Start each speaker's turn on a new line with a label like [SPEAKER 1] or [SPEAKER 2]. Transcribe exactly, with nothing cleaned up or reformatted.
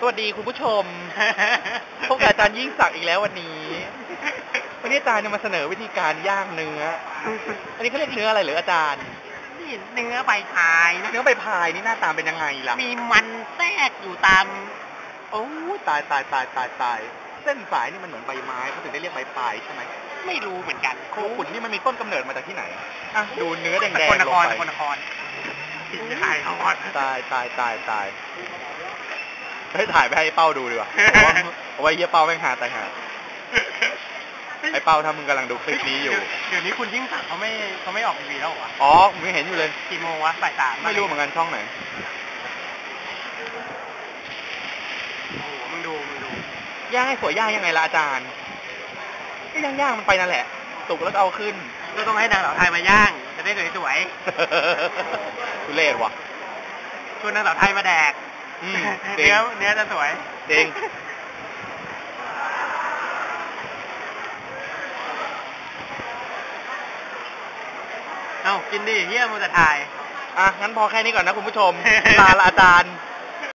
[SPEAKER 1] สวัสดีคุณผู้ชม พบกับอาจารย์ยิ่งศักดิ์อีกแล้ววันนี้ วันนี้อาจารย์จะมาเสนอวิธีการย่างเนื้อ อันนี้เขาเรียกเนื้ออะไรหรืออาจารย์
[SPEAKER 2] นี่เนื้อใบพายนะ
[SPEAKER 1] เนื้อใบพายนี่หน้าตาเป็นยังไงล่ะ
[SPEAKER 2] มีมันแทรกอยู่ตาม
[SPEAKER 1] โอ้ตายตายตายตายตายเส้นสายนี่มันเหมือนใบไม้เขาถึงได้เรียกใบพายใช่ไหม
[SPEAKER 2] ไม่รู้เหมือนกัน
[SPEAKER 1] โคขุนนี่มันมีต้นกำเนิดมาจากที่ไหนอ่ะดูเนื้อแดงๆลงไป
[SPEAKER 2] คนนครคนนครถ่ายเอา
[SPEAKER 1] ตายตายตายตายเฮ้ยถ่ายไปให้เป้าดูดีกว่าเอาไว้เยี่ยเป้าแม่งหาตายหาไอ้เป้าถ้ามึงกำลังดูคลิปนี้อยู่
[SPEAKER 2] เดี๋ยวนี้คุณยิ่งศักดิ์เขาไม่เขาไม่ออกทีวีแล้วเหรอ
[SPEAKER 1] อ๋อมึงเห็นอยู่เลย
[SPEAKER 2] กี่โมงวะบ่ายสาม
[SPEAKER 1] ไม่รู้เหมือนกันช่องไหน
[SPEAKER 2] โอ้โหมึงดูมึงดู
[SPEAKER 1] ย่างให้สวยย่างยังไงล่ะอาจารย์ก็ย่างย่างมันไปนั่นแหละสุกแล้วก็เอาขึ้น
[SPEAKER 2] ก็ต้องให้นางสาวไทยมาย่างจะได้สวย
[SPEAKER 1] ๆทุเรศว่ะ
[SPEAKER 2] ชวนนางสาวไทยมาแดกเนื้อเนื้อจะสวย
[SPEAKER 1] จริง
[SPEAKER 2] เอ้ากินดิเฮียมูจะถ่าย
[SPEAKER 1] อ่ะงั้นพอแค่นี้ก่อนนะคุณผู้ชมลาละอาจารย์